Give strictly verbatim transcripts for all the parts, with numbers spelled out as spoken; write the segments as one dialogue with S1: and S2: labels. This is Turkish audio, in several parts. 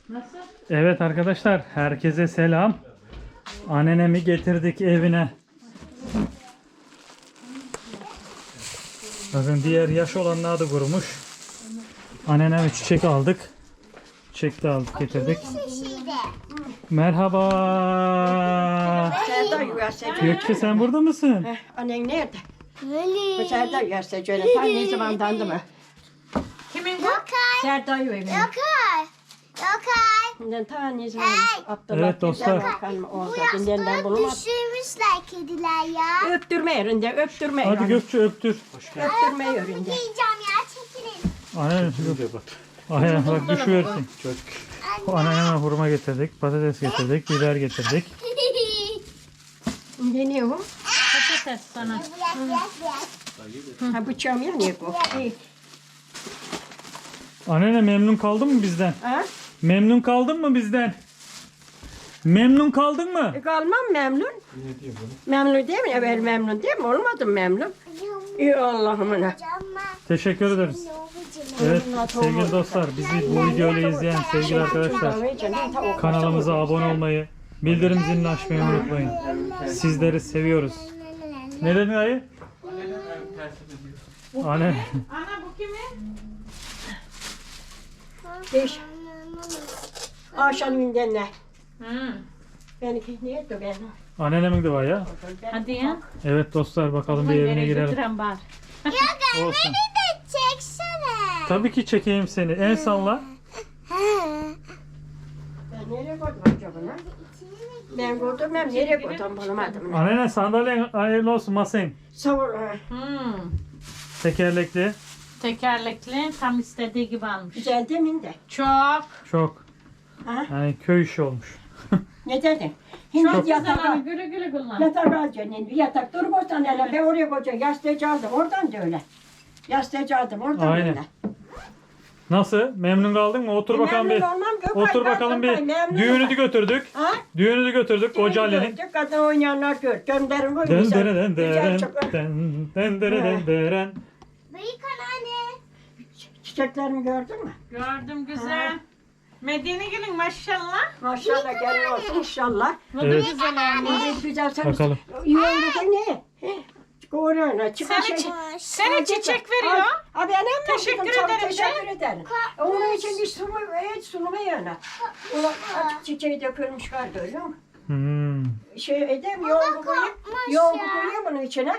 S1: Nasıl?
S2: Evet arkadaşlar, herkese selam. Annenemi getirdik evine. Bakın diğer yaş olanlar da kurumuş. Anneneme çiçek aldık. Çiçek de aldık getirdik. Merhaba.
S3: Serdar üyesi.
S2: Gökçe sen burada mısın?
S3: Eh, annen nerede? Bu Serdar üyesi şöyle. Ta ne zamandandı mı?
S1: Kimin bu?
S4: Yokay.
S3: Serdar üyesi.
S4: Yokay. Yokay.
S3: Ben ta ne zaman
S4: Hey.
S3: Abdullah
S2: Evet dostlar.
S3: Bakalım
S4: Bu
S3: orada dinlenden
S4: yastığı
S3: bulamadım.
S4: düşürmüşler kediler ya.
S3: Öptürme yerinde, öptürme
S2: Hadi
S3: yerinde.
S2: Gökçe öptür.
S3: Öptürme yerinde.
S4: Giyeceğim ya çekilin.
S2: Annen Aynen bak düşüversin. Anneme hurma getirdik, patates getirdik, biber getirdik.
S3: Ne ne o?
S1: Patates sana.
S4: Bırak bırak bırak.
S3: Ha bıçağım ya ne bu? İyi.
S2: Annene memnun kaldın mı bizden?
S3: Ha?
S2: Memnun kaldın mı bizden? Memnun kaldın mı?
S3: E, kalmam memnun. Memnun değil mi? Evvel memnun değil mi? Olmadım memnun. İyi Allah'ımına.
S2: Teşekkür ederiz. Evet sevgili dostlar, bizi bu videoyu izleyen sevgili arkadaşlar, kanalımıza abone olmayı, bildirim zilini açmayı unutmayın. Sizleri seviyoruz. Ne dedin dayı? Anne.
S1: Ana bu kimin?
S3: Beş. Akşam günden ne?
S1: Hı.
S3: Benimki neydi ben?
S2: Annenemin de var ya.
S1: Hadi ya.
S2: Evet dostlar, bakalım bir evine girelim.
S1: Götüren var.
S2: Olsun.
S4: de çeksene.
S2: Tabii ki çekeyim seni. El salla.
S3: Ben nereye koydum acaba lan? Ben koydum ben nereye koydum bulamadım.
S2: Annene sandalyen hayırlı olsun masen.
S3: Sağ ol. ha.
S1: Hmm.
S2: Tekerlekli.
S1: Tekerlekli tam istediği gibi almış.
S3: Güzel demin de.
S1: Çok.
S2: Çok.
S3: Ha?
S2: Yani köy işi olmuş.
S3: Ne dedin? Hindi
S1: Çok güzel
S3: yatağa.
S1: ama güle güle kullan.
S3: Yatak alacaksın şimdi. Yatak dur boştan hele. Ben oraya koyacağım. Yastığı aldım. Oradan da öyle. Yastığı aldım. Oradan
S2: Aynen.
S3: öyle.
S2: Nasıl? Memnun kaldın mı? Otur bakalım bir.
S3: Memnun olmam, Gökay,
S2: Otur
S3: ben
S2: bakalım
S3: Gökay,
S2: bir.
S3: memnun
S2: Düğünü de
S3: olmam.
S2: götürdük.
S3: Ha?
S2: Düğünü de götürdük koca Ali'nin.
S3: Gördük, kadın oynayanlar gör. Gönderin bu
S2: Den
S3: güzel.
S2: dere den
S3: Güzel
S2: deren,
S3: çok.
S2: den den dere den deren.
S4: Büyük anneanne.
S3: Çiçeklerimi gördün mü?
S1: Gördüm güzel. Medine gelin maşallah.
S3: Maşallah gelin olsun inşallah.
S1: Bu da
S2: Evet.
S1: güzel olmuş.
S3: Ne güzel sen.
S2: Bakalım.
S3: Yolda ne? Koruyor.
S1: Sana, çi- sana çiçek veriyor.
S3: Abi annem
S1: Teşekkür
S3: çok
S1: ederim
S3: Teşekkür ederim. Onun için bir sunumu, evet sunumu yana. Ona açık çiçeği dökülmüş var görüyor musun?
S2: Hmm.
S3: Şey edeyim, yoğurdu koyayım. Yoğurdu koyayım bunun içine.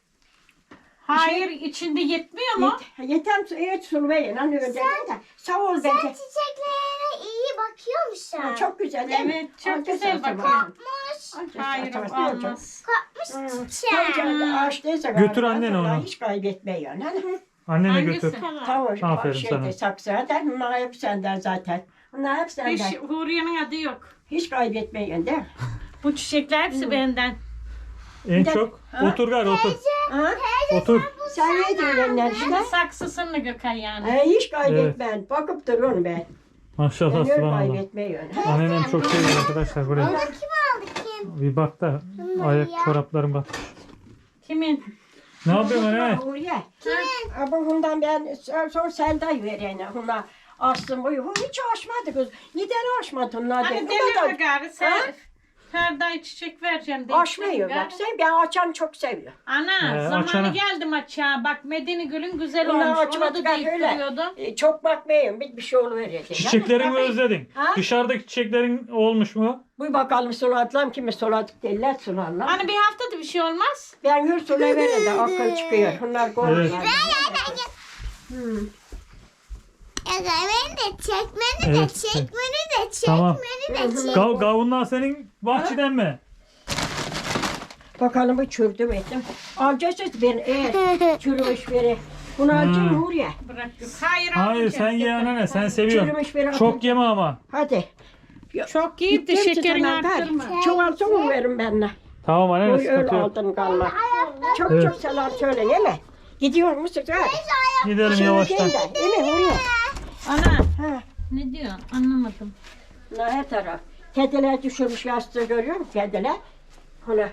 S1: Hayır içinde yetmiyor mu?
S3: Yet, yetem, evet sunumu yana. Hani öyle de. Sağ ol
S4: Sen
S3: bence.
S4: çiçeklerine iyi bakıyormuşsun.
S3: Ha, çok güzel değil mi?
S1: Evet çok
S3: Al,
S1: güzel
S3: al, al,
S1: bakıyor.
S4: Kopmuş.
S3: al.
S1: Hayır
S3: Al, al, al, al.
S1: olmaz.
S4: Kopmuş
S3: Hmm.
S4: çiçek.
S3: Tabii ağaçtaysa
S2: Götür
S3: galiba,
S2: annene
S3: vallahi
S2: onu.
S3: Hiç kaybetmiyor. Hani.
S2: Annene
S1: Hangisi?
S2: götür.
S3: Tamam.
S2: Aferin
S3: şeyde,
S2: sana.
S3: Saksıdan. Bunlar hep senden zaten. Bunlar hep senden.
S1: Hiç
S3: Hiç,
S1: Huriye'nin adı yok.
S3: kaybetmeyin değil mi?
S1: Bu çiçekler hepsi benden.
S2: En
S3: Bir de-
S2: çok.
S3: Ha?
S2: Otur gari otur.
S3: Ha?
S2: Otur.
S3: Sen ne diyorlar işte?
S1: Şimdi saksısını Gökay yani.
S3: Ha, hiç kaybetmeyin. Bakıp duruyorum ben.
S2: Maşallah
S3: Ben öyle
S2: subhanallah.
S3: kaybetmeyin. Ha?
S2: Annenem çok seviyor arkadaşlar buraya.
S4: Bunu kim aldı kim?
S2: Bir bak da ayak çoraplarım bak.
S1: Kimin?
S2: Ne yapıyorsun anne?
S3: Oraya. Kimin? Bu bundan ben sor Selda verene. Bunlar astım boyu. Bu hiç aşmadı kız. Neden aşmadı onlar?
S1: Hani
S3: de?
S1: delirme
S3: Bunlar
S1: gari sen.
S3: Ha?
S1: Ferda'ya çiçek vereceğim.
S3: da aşmıyor bak. Sen ben açan çok seviyorum.
S1: Ana
S2: Ee,
S1: zamanı
S2: açana-
S1: geldim açığa. Bak Medine Gül'ün güzel
S3: Bunlar
S1: olmuş. Onu
S3: açmadı
S1: da
S3: ben
S1: deyip
S3: öyle.
S1: duruyordum.
S3: E, çok bakmayın. Bir, bir şey oluverecek.
S2: Çiçeklerini mi
S3: Yani,
S2: özledin?
S3: Ha?
S2: Dışarıdaki çiçeklerin olmuş mu?
S3: Bu bakalım suladılar kimi suladık derler sularlar.
S1: Hani bir haftada bir şey olmaz.
S3: Ben hür sulayıverim de akıl çıkıyor. Bunlar korkuyor.
S2: Evet.
S3: Hmm.
S4: Ya beni de çek, beni de
S2: Evet.
S4: çek, beni de çek,
S2: Tamam.
S4: beni de çek.
S2: Gav gavunlar senin bahçeden mi?
S3: Bakalım bu çürdüm ettim. Alacaksınız ben eğer çürümüş biri. Bunu alacağım
S2: Hmm.
S3: Huriye.
S1: Bırak yok. Hayır
S2: Hayır
S1: almayacağım.
S2: sen ye anne sen seviyorsun.
S3: Çürümüş biri.
S2: Çok yeme ama.
S3: Hadi.
S1: Çok yiyip de
S3: Gittim
S1: şekerini
S3: ki tamam,
S1: arttırma.
S3: ver. Çoğalsa onu verin benimle.
S2: Tamam anne
S3: Öyle, öyle
S2: sıkıntı yok.
S3: aldın kalma. Çok
S2: Evet.
S3: çok selam söyle değil mi? Gidiyor musun? Hadi.
S2: Gidelim
S3: Şey
S2: yavaştan.
S3: değil de, değil mi Huriye?
S1: Ana
S3: Ha.
S1: ne diyorsun anlamadım.
S3: Bunlar her taraf. Kediler düşürmüş yastığı görüyor musun kediler? Ona.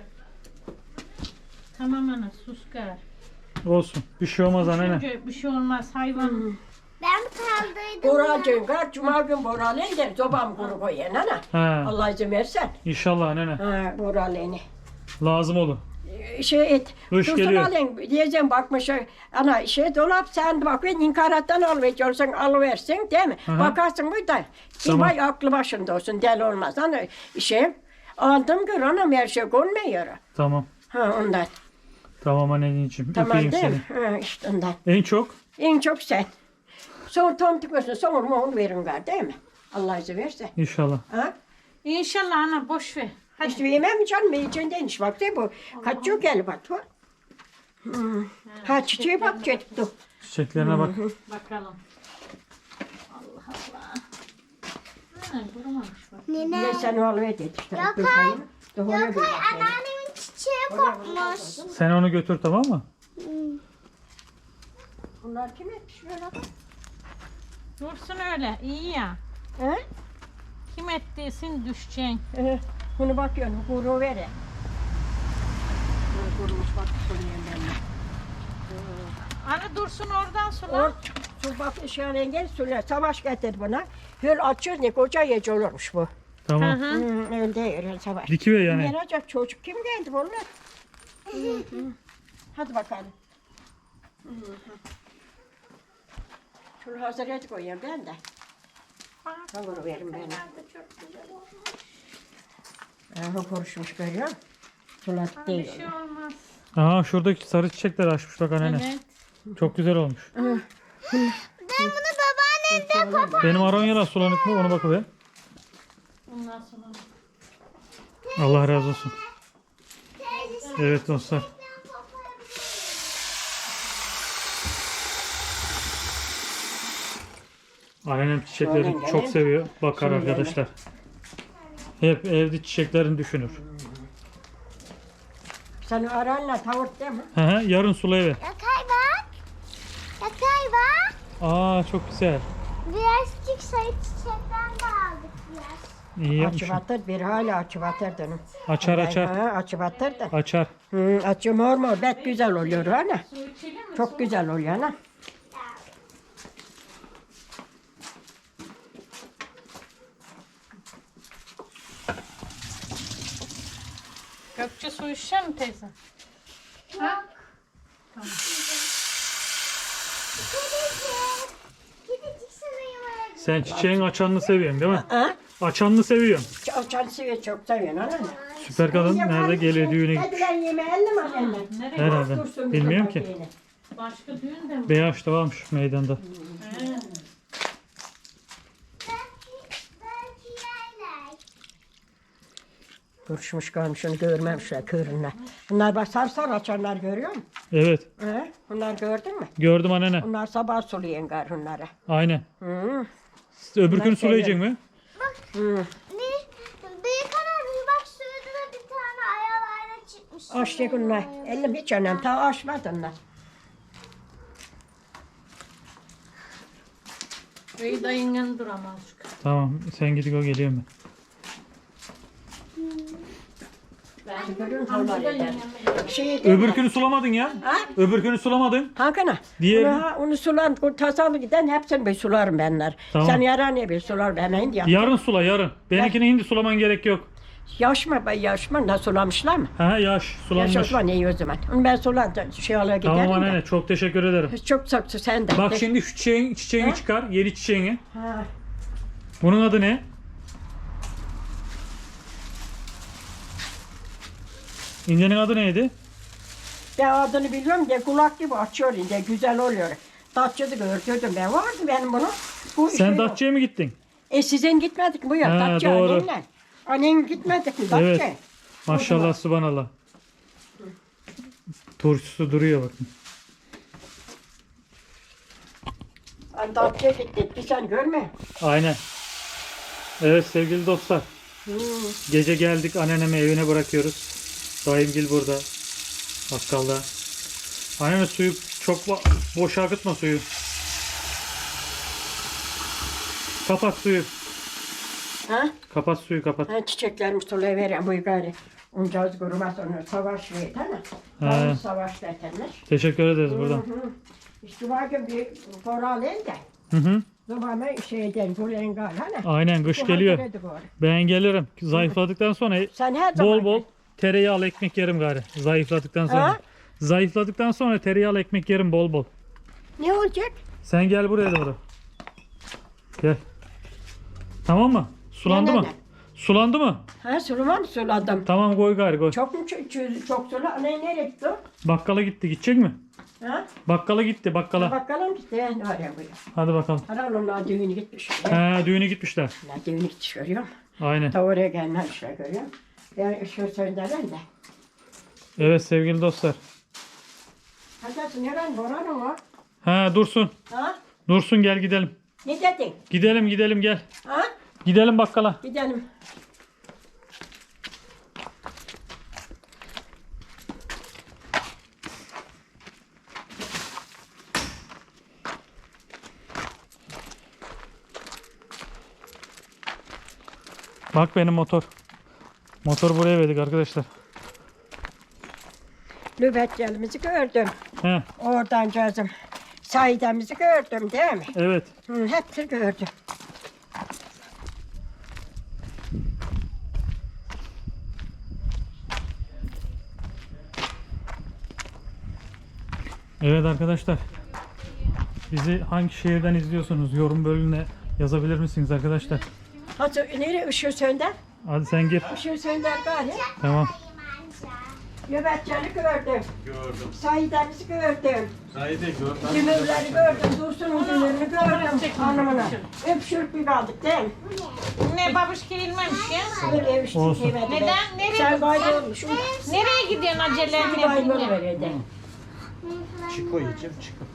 S1: Tamam ana sus gari.
S2: Olsun. Bir şey olmaz anne.
S1: Çünkü bir şey olmaz hayvan.
S4: Ben kaldıydım.
S3: Boralcığım kar, cuma gün boralın der, zobam kuru koyun ana.
S2: He.
S3: Allah izin versen.
S2: İnşallah anne.
S3: Ha, boralını.
S2: Lazım olur.
S3: Şey et.
S2: Kış
S3: Dursun
S2: geliyor.
S3: alın diyeceğim bakmış ana şey dolap sen bak ben inkarattan alıvereceksin alıversin değil mi?
S2: Aha.
S3: Bakarsın bu da
S2: Tamam.
S3: vay aklı başında olsun deli olmaz. Ana şey aldım gör anam her şey konmuyor.
S2: Tamam.
S3: Ha ondan.
S2: Tamam anneciğim.
S3: Tamam
S2: Öpeyim
S3: değil
S2: seni.
S3: mi? Ha işte ondan.
S2: En çok?
S3: En çok sen. Son tomtuk olsun sonra mu onu verin gar değil mi? Allah izin verse.
S2: İnşallah.
S3: Ha?
S1: İnşallah ana boş ver.
S3: Hadi. İşte yemem canım yiyeceğinden iş bak değil bu. Kaç yok gel bak. Ha, hmm. ha çiçeğe bak çekti.
S2: Çiçeklerine bak.
S1: Bakalım. Allah Allah. Ha, kurumamış bak.
S4: Nene.
S3: Ne sen oğlu dedi işte.
S4: Yok,
S3: Dur
S4: hayır.
S3: bakayım. Dur, oraya
S4: Yok
S3: bir
S4: hayır
S3: bakayım.
S4: anneannemin çiçeği kopmuş.
S2: Sen onu götür tamam mı?
S3: Bunlar kim etmiş böyle bak?
S1: Dursun öyle. İyi ya.
S3: He?
S1: Kim ettiysin düşeceksin.
S3: Ee, bunu bakıyorum, kuru vere. Bunu kurumuş bak, sulayayım ben de.
S1: Ana dursun oradan
S3: O,
S1: sula.
S3: su bak, ışığın engel suluyor. Savaş getir buna. Höl açıyor ne koca yeci olurmuş bu.
S1: Hı
S2: Tamam.
S1: hı.
S3: Hmm, öyle değil, öyle savaş.
S2: Dikiver yani.
S3: Merak çocuk kim geldi bunlar? Hı hı. Hadi bakalım. Hı hı. Şunu hazır et koyayım ben de. Ben bunu veririm ben. Aha konuşmuş görüyor musun? Sulat
S1: Bir
S3: değil.
S1: şey olmaz.
S2: Aa şuradaki sarı çiçekler açmış bak anne.
S1: Evet.
S2: Çok güzel olmuş.
S4: Ben bunu babaannemden kopar.
S2: Benim aronyalar sulanık mı ona bakıver.
S1: Ondan sonra.
S2: Allah razı olsun. Evet dostlar. Annem çiçekleri
S3: Şöyle
S2: çok
S3: gelin.
S2: seviyor. Bakar
S3: Şöyle
S2: arkadaşlar. Hep evde çiçeklerini düşünür.
S3: Sen aranla tavuk değil mi?
S2: Hı hı, yarın sulayıver.
S4: Yakay bak. Yakay bak.
S2: Aa çok güzel.
S4: Birazcık sarı çiçekten de aldık biraz.
S2: İyi
S3: Açı
S2: yapmışsın.
S3: batır, bir hala açı batır dedim.
S2: Açar açar.
S3: Ha, açı batır da.
S2: Açar.
S3: Hı, açı mor mor, bet güzel oluyor ana.
S1: Su içelim mi?
S3: Çok güzel oluyor ana.
S1: Gökçe su içecek mi teyze? Ha?
S4: Gidecek. Gidecek sana
S2: Sen çiçeğin açanını seviyorsun değil mi?
S3: Ha?
S2: Açanını seviyorsun.
S3: Açan seviyor, çok seviyorsun ana.
S2: Süper kadın nerede geliyor düğüne
S3: Hadi
S2: gitmiş.
S3: ben yemeğelim mi anne?
S1: Nereye?
S2: Herhalde.
S3: Dursun
S2: Bilmiyorum
S3: bizim
S2: ki.
S3: bakayım.
S1: Başka düğün de mi?
S2: Beyaz da varmış meydanda.
S1: He.
S4: Belki, belki yerler.
S3: Duruşmuş kalmış onu görmemişler kırınlar. Bunlar bak sar sar açanlar görüyor musun?
S2: Evet.
S3: He? Bunlar gördün mü?
S2: Gördüm annene.
S3: Bunlar sabah suluyen gar bunlara.
S2: Aynen.
S3: Hı.
S2: Öbür gün
S3: Ben
S2: sulayacak mı?
S3: Hı.
S4: Ne? Büyük annem bak şurada da bir tane ayalarına çıkmış.
S3: Açtı bunlar. Elim hiç önemli. Ta açmadı onlar.
S1: İyi dayının duramaz.
S2: Tamam sen gidip o geliyor mu?
S3: Görüyor musun? Onlar eder. Şey
S2: Öbür günü sulamadın ya.
S3: Ha?
S2: Öbür günü sulamadın.
S3: Hakan'a.
S2: Diğeri-
S3: Onu, ha, onu sulan, o tasalı giden hepsini bir sularım benler.
S2: Tamam.
S3: Sen yaran ne bir sular ben hindi ya.
S2: Yarın sula yarın. Benimkini hindi sulaman gerek yok.
S3: Yaşma be yaşma da sulamışlar mı?
S2: Ha yaş
S3: Yaş
S2: sulanmış.
S3: o zaman iyi o zaman. Onu ben sulan şey alaya giderim
S2: Tamam
S3: de.
S2: anne çok teşekkür ederim.
S3: Çok saksı sen de.
S2: Bak şimdi şu çiçeğin, çiçeğini
S3: Ha?
S2: çıkar. Yeni çiçeğini.
S3: Ha.
S2: Bunun adı ne? İncenin adı neydi?
S3: Ben adını biliyorum de kulak gibi açıyor de güzel oluyor. Datça'da gördüm ben vardı benim bunu. Bu
S2: Sen
S3: şey yok.
S2: Datça'ya mı gittin?
S3: E sizin gitmedik mi bu ya?
S2: Ha,
S3: Datça
S2: doğru.
S3: annenle. Annen gitmedik mi Datça?
S2: Evet. Maşallah subhanallah. Turşusu duruyor bakın.
S3: Hani Datça'ya gittik bir sen görme.
S2: Aynen. Evet sevgili dostlar.
S3: Hmm.
S2: Gece geldik anneannemi evine bırakıyoruz. Dayımgil burada. Bakkalda. Anneanne suyu çok ba- boş akıtma suyu. Kapat suyu.
S3: Ha?
S2: Kapat suyu kapat.
S3: Ha, çiçeklerimi solaya veren bu gari. Uncaz kurumaz onu savaş verdi ama.
S2: He.
S3: He. Savaş veterler.
S2: Teşekkür ederiz buradan.
S3: İşte var ki bir koral el de.
S2: Hı hı.
S3: Zamanı şeyden buraya gal hani.
S2: Aynen kış
S3: Bu
S2: geliyor.
S3: hatırladı bu ara.
S2: Ben gelirim. Zayıfladıktan sonra
S3: Sen her zaman
S2: bol bol tereyağlı ekmek yerim gari. Zayıfladıktan sonra.
S3: Ha?
S2: Zayıfladıktan sonra tereyağlı ekmek yerim bol bol.
S3: Ne olacak?
S2: Sen gel buraya doğru. Gel. Tamam mı? Sulandı
S3: Ne, ne,
S2: mı?
S3: ne?
S2: Sulandı mı?
S3: Ha sulama mı suladım?
S2: Tamam koy gari koy.
S3: Çok mu ç- ç- çok sula? Ne nereye gitti o?
S2: Bakkala gitti. Gidecek mi?
S3: Ha?
S2: Bakkala gitti bakkala.
S3: Bakalım gitti. Ne oraya buraya.
S2: Hadi bakalım.
S3: Herhalde düğünü gitmiş. Ne
S2: He düğüne gitmişler.
S3: düğünü gitmiş görüyorum.
S2: Aynen.
S3: Ta oraya gelmemişler görüyorum. Ben ışığı söndüren de.
S2: Evet sevgili dostlar.
S3: Hadi neren Boran'ın o?
S2: He Dursun.
S3: Ha?
S2: Dursun gel gidelim.
S3: Ne dedin?
S2: Gidelim gidelim gel.
S3: Ha?
S2: Gidelim bakkala.
S3: Gidelim.
S2: Bak benim motor. Motor buraya verdik arkadaşlar.
S3: Nöbetçilerimizi gördüm.
S2: He
S3: Oradan gözüm. Saidemizi gördüm değil mi?
S2: evet.
S3: Hı, hepsini gördüm.
S2: Evet arkadaşlar. Bizi hangi şehirden izliyorsunuz? Yorum bölümüne yazabilir misiniz arkadaşlar?
S3: Hadi nereye ışığı sönder?
S2: Hadi sen gir.
S3: Işığı sönder gari.
S2: Tamam.
S3: Nöbetçileri gördüm.
S5: Gördüm.
S3: Saidemizi gördüm.
S5: Saide gördüm.
S3: Dümürleri gördüm. Dursun'un dümürünü gördüm. Hanımına. Öpüşürük bir kaldık değil mi?
S1: Ne babuş girilmemiş ya.
S3: Böyle öpüştük
S2: Olsun.
S3: yemedi.
S1: Neden? Nereye
S3: Sen
S1: gitsen?
S3: kaybolmuşsun.
S1: Nereye gidiyorsun acele
S3: Bir
S1: ne
S3: kaybol
S1: bileyim.
S3: verirdi.
S5: Çiko yiyeceğim çiko.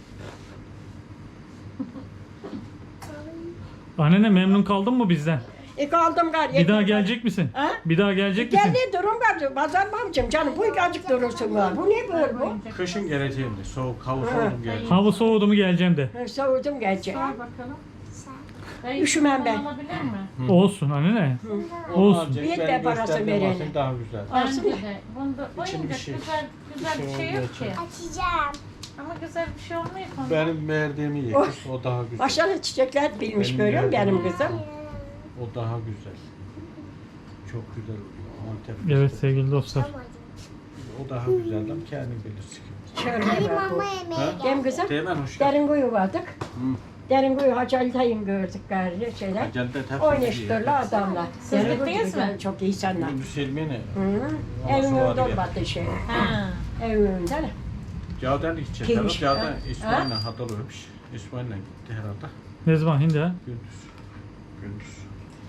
S2: Annene memnun kaldın mı bizden?
S3: E kaldım gari.
S2: Bir daha gelecek misin?
S3: Ha?
S2: Bir daha gelecek misin?
S3: Geldi durum var. Pazar babacığım canım bu azıcık durursun var. Bu ne böyle bu?
S5: Kışın geleceğim de soğuk hava
S3: Ha.
S5: soğudum geleceğim.
S2: Hava soğudu mu geleceğim de.
S3: Ha, Soğudum gelecek.
S1: Sor bakalım. Dayı,
S3: Üşümem ben.
S1: Alabilir mi?
S2: Olsun annene.
S5: Onu
S2: Olsun.
S5: alacak,
S3: Bir de
S5: benim
S3: parası
S5: gösterdiğim
S3: verene.
S5: olsun daha güzel.
S1: Bence
S3: Alsın.
S1: de. Bunda
S5: İçin bir
S1: oyuncak
S5: şey.
S1: güzel, güzel bir şey yok ki.
S4: Açacağım.
S1: Ama güzel bir şey olmuyor ki onda.
S5: Benim verdiğimi ye.
S3: Oh.
S5: O daha güzel.
S3: Başarılı çiçekler bilmiş
S5: Benim
S3: görüyor musun
S5: yerim.
S3: benim kızım?
S5: O daha güzel. Çok güzel oluyor. Antep
S2: Evet
S5: fıstığı.
S2: sevgili dostlar.
S5: O daha güzel ama kendin bilirsin.
S3: Şöyle
S4: Benim
S3: bak bu.
S4: mama yemeğe
S5: Ha?
S4: gel.
S3: Dem kızım.
S5: Teğmen hoş geldin.
S3: Derin kuyu vardık. Derin kuyu Hacı Tayın gördük gari şeyler.
S5: Acelde hepsini
S3: Oynaştırlar adamlar. Derin kuyu
S1: gittiniz
S3: güzel,
S1: mi?
S3: çok iyi insanlar.
S5: Gündüz Selmi'ne.
S3: Hı.
S5: Ama
S3: Evin
S5: su var
S3: önünde
S5: ya.
S3: olmadı şey.
S1: Ha.
S3: Evin önünde ne?
S5: Cağdan gidecek
S3: Kimmiş?
S5: herhalde.
S3: Ha?
S5: Cağdan İsmail'le hatırlıyormuş. İsmail'le gitti herhalde.
S2: Ne zaman hindi ha?
S5: Gündüz. Gündüz.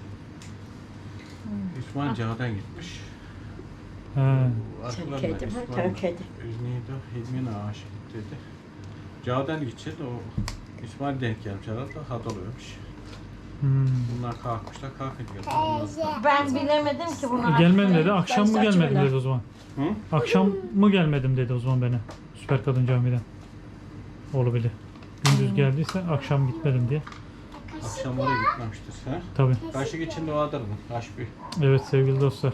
S5: İsmail Cağdan gitmiş.
S2: He.
S3: Sen kedi mi? Sen kedi.
S5: Neydi o? Hilmi'ne aşık dedi. Cağdan gidecek o İsmail denk gelmiş herhalde. Hatırlıyormuş.
S2: Hmm.
S5: Bunlar kalkmışlar kalkınca.
S4: Teyze.
S1: Ben bilemedim ki bunu.
S2: Gelmedim dedi. Akşam mı
S3: Ben
S2: gelmedim
S3: saçmalama.
S2: dedi o zaman.
S5: Hı?
S2: Akşam mı gelmedim dedi o zaman bana. Süper Kadın Camii'den. Olabilir. Gündüz geldiyse akşam gitmedim diye.
S5: Akşam oraya gitmemiştir. Ha?
S2: Tabii.
S5: Kaşık içinde vardır mı? Kaş bir.
S2: Evet sevgili dostlar.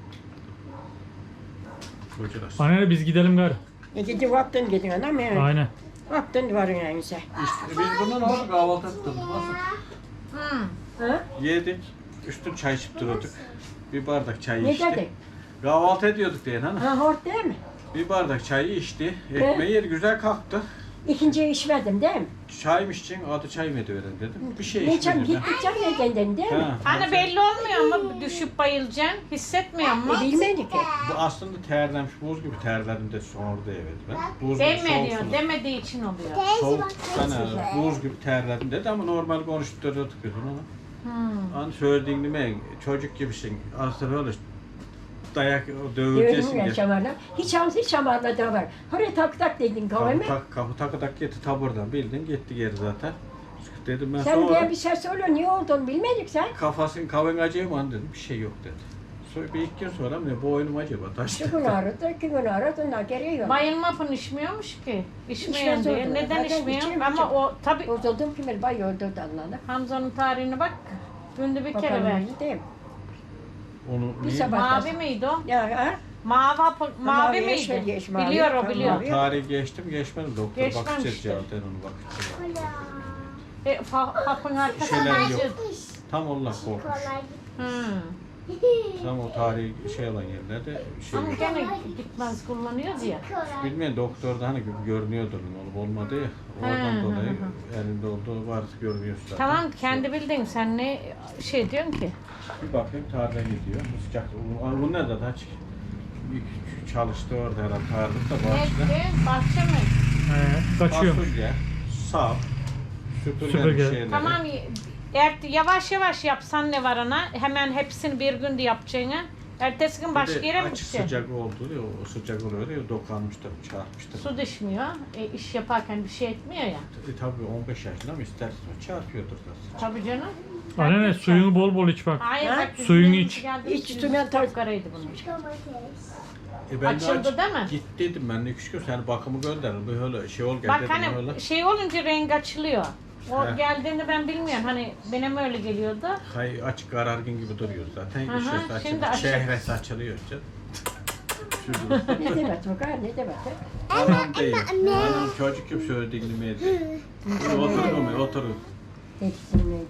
S5: Kocalar.
S2: Annene biz gidelim gari.
S3: E gidi vaktın gidin anam ya.
S2: Aynen.
S3: Vaktın varın yani sen.
S5: İşte biz bundan nasıl kahvaltı ettik? Nasıl?
S3: Ha?
S5: Yedik. Üstün çay içip duruyorduk. Bir bardak çay
S3: Ne
S5: içti.
S3: dedin?
S5: Kahvaltı ediyorduk diyen hanım.
S3: Ha hort değil mi?
S5: Bir bardak çayı içti. Ekmeği yedi güzel kalktı.
S3: İkinciyi içmedim değil mi?
S5: Çay mı içeceksin? Adı çay mı ediverin dedim. Bir şey
S3: Ne çam
S5: içmedim.
S3: gittikçe ne dendin değil mi?
S5: Ha.
S1: Hani belli olmuyor mu düşüp bayılacaksın? Hissetmiyor mu?
S3: E bilmedik ki.
S5: Bu aslında terlemiş, buz gibi terledim de sonra da evet ben. Buz gibi
S1: Demiyor,
S5: soğuksunuz.
S1: demediği için oluyor.
S4: Teyze
S5: Soğuk
S4: bak
S5: sana
S4: kaçıyor.
S5: buz gibi terledim dedi ama normal konuşturuyorduk biz onu.
S1: Hmm.
S5: Hani söylediğin gibi çocuk gibisin. Aslında böyle dayak
S3: Diyorum
S5: döveceksin
S3: ya
S5: diye.
S3: şamarla. Hiç hamsi hiç şamarla da var. Oraya tak tak dedin
S5: Kapı,
S3: kavme.
S5: tak, kapı takı tak gitti taburdan bildin gitti geri zaten. Dedim ben
S3: Sen
S5: sonra
S3: diye bir ses söyle niye olduğunu bilmedik sen.
S5: kafasın kavun acıyor mu dedim bir şey yok dedi. Sonra bir iki gün sonra ne boynum acaba
S3: İki
S5: taştı.
S3: gün aradı, iki gün aradı, ondan geri yok.
S1: Bayılma pın içmiyormuş ki. İçmeyen
S3: İçmez
S1: diyor.
S3: oldu.
S1: Neden
S3: Zaten
S1: içmiyor?
S3: içeyim,
S1: Ama
S3: içeyim.
S1: o tabi
S3: Bozuldum ki bir bay öldürdü Allah'ını.
S1: Hamza'nın tarihine bak. Günde bir kere ver.
S3: Bakalım değil mi?
S5: Onu
S3: Bir
S5: niye?
S3: sabah-
S1: Mavi miydi o?
S3: Ya ha?
S1: Mavi, mavi
S3: Mavi,
S1: miydi?
S3: yeşil, yeşil, mavi.
S1: Biliyor o
S3: Tamam.
S1: biliyor.
S3: Mavi.
S5: Tarihi geçtim geçmedim doktor
S1: Geçmemiştir.
S5: bakacağız cevapten onu bakacağız.
S1: E, fa- hapın arkasında
S5: Şeyler yok.
S1: yazıyordu.
S5: Tam Allah korkmuş.
S4: Kolay
S1: Hı.
S5: Tam o tarihi şey olan yerlerde şey
S1: Ama
S5: yok.
S1: gene gitmez kullanıyoruz ya.
S4: kolay.
S5: Bilmeyen doktorda hani görünüyordur olup olmadı ya. Oradan
S1: Hı, hı,
S5: dolayı
S1: hı.
S5: elinde olduğu var görünüyor zaten.
S1: Tamam kendi bildin sen ne şey diyorsun ki?
S5: Bir bakayım tarla gidiyor. Sıcak. Bu bu ne de aç. Bir çalıştı orada herhalde tarlıkta
S1: Ne
S5: bahçede.
S1: diyor? Bahçe mi?
S2: He, kaçıyormuş.
S5: Fasulye, sap, süpürge,
S2: Süpürge.
S5: şeyleri.
S1: Tamam eğer yavaş yavaş yapsan ne var ana? Hemen hepsini bir günde yapacağını. Ertesi gün
S5: Bir
S1: başka
S5: de
S1: yere mi
S5: açık
S1: gideceksin?
S5: sıcak oldu ya, o sıcak oluyor ya, dokanmıştır, çarpmıştır.
S1: Su düşmüyor. E, iş yaparken bir şey etmiyor ya.
S5: E tabii on beş yaşında mı istersen çarpıyordur zaten.
S1: Tabii canım.
S2: Anne suyunu bol bol iç bak.
S1: Hayır
S3: Ha?
S1: bak bizim
S2: Suyunu
S1: evimiz
S2: iç.
S1: geldi,
S3: İç,
S1: yüz
S3: sümen tar-
S1: yukarıydı bunun.
S4: Domates.
S5: E ben de
S1: Açıldı
S5: aç-
S1: değil mi?
S5: Git dedim ben de iki üç gün sen bakımı gönder, böyle şey ol gel
S1: Bak
S5: dedim
S1: hani
S5: öyle.
S1: şey olunca renk açılıyor. O
S5: He.
S1: geldiğini ben bilmiyorum. Hani benim öyle geliyordu.
S5: Hay açık karargın gibi duruyor zaten.
S1: Hı hı,
S5: Işığı
S1: şimdi
S5: açık,
S1: açık.
S5: şehresi açılıyor işte. Şurada.
S3: Ne demek o kadar ne demek?
S5: Anam değil. Anam çocuk gibi söylediğini mi ediyor? Oturun mu? Oturun.
S3: Dedikleri neydi?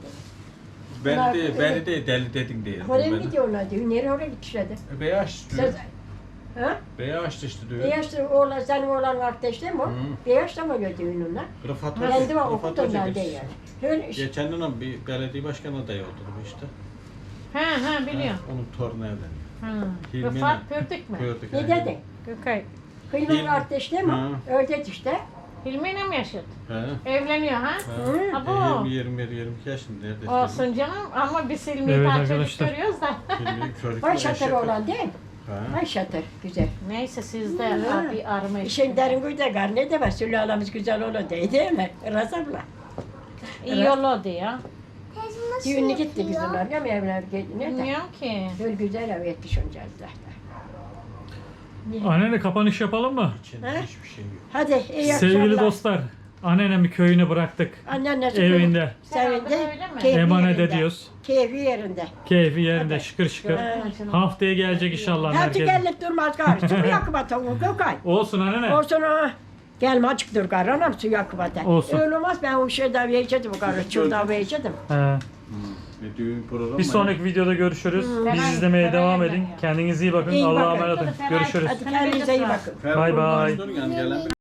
S5: Beni de, beni de deli dedin diye.
S3: Oraya mı gidiyorlar diyor. Nereye oraya gitmişler de?
S5: E, Beyaz diyor.
S3: Sen, ha?
S5: Beyaz işte diyor.
S3: Beyaz da oğlan, senin oğlan kardeş değil mi o?
S5: Hı.
S3: Beyaz da mı öyle düğününe?
S5: Rıfat
S3: Ben de
S5: Hoca.
S3: okudum
S5: Rıfat Hoca
S3: ben de
S5: biz-
S3: yani. Öyle işte.
S5: Geçen dönem bir belediye başkanı adayı oldu işte.
S1: He he biliyorum.
S5: Onun torunu evleniyor.
S1: Hı.
S5: Hilmi'yle.
S1: Rıfat Pördük mü?
S5: Gördük.
S3: Ne
S5: yani.
S3: dedin?
S1: Gökay.
S3: Kıyımın
S5: Hilmi.
S3: kardeş değil mi?
S5: Hı.
S3: Öyle işte.
S1: Hilmi'yle mi yaşadı?
S5: He.
S1: Evleniyor ha?
S5: He.
S3: Hı.
S1: Ha, bu.
S5: E, yirmi yirmi bir yirmi iki yaşında neredeyse.
S1: Olsun canım ama biz Hilmi'yi
S2: Evet
S1: daha çocuk
S2: arkadaşlar.
S1: görüyoruz da.
S5: Hilmi çocuk
S3: Vay
S5: eşek-
S3: şatır olan değil mi?
S5: He.
S3: Vay şatır. Güzel.
S1: Neyse siz de
S3: Hı.
S1: bir arama
S3: İşin derin güzel gar ne demek? Sülalemiz güzel olur değil, değil mi? Razabla.
S1: İyi oldu ya.
S4: Teyze nasıl
S3: Düğünü gitti
S4: yapıyor?
S3: bizimler. Ya mı evler gitti? Ne de?
S1: Bilmiyorum ki.
S3: Böyle güzel ev etmiş onca zaten.
S2: Anneanne kapanış yapalım mı?
S5: İçinde
S3: He?
S5: hiçbir şey yok.
S3: Hadi iyi
S2: Sevgili
S3: akşamlar.
S2: dostlar, anneannemi köyüne bıraktık.
S3: Annenle
S2: Evinde.
S3: Sevindi.
S1: Öyle mi?
S3: Keyfi
S2: Emanet
S3: yerinde.
S2: ediyoruz.
S3: Keyfi yerinde.
S2: Keyfi yerinde
S3: Hadi.
S2: şıkır şıkır.
S3: Ha.
S2: Haftaya gelecek inşallah
S3: Hadi
S2: herkes.
S3: gelip durmaz gari. Su yakıma tavuğu Gökay.
S2: Olsun anneanne.
S3: Olsun ha. Gelme açık dur gari. Anam su yakıma da.
S2: Olsun.
S3: Öyle olmaz ben o şeyden vereceğim bu gari. Şuradan vereceğim.
S2: He.
S5: Bir düğün programı
S2: Bir
S5: var.
S2: sonraki videoda görüşürüz.
S1: Ferah-
S2: Bizi izlemeye
S1: ferah
S2: devam
S1: yerden
S2: edin.
S1: ya.
S2: Kendinize iyi bakın.
S3: İyi
S2: Allah'a
S3: bakın.
S2: emanet olun.
S1: Ferah-
S2: Görüşürüz.
S3: Hadi kendinize iyi bakın.
S5: Fer-
S2: Bay bay.
S5: konuştun yani gelen bir-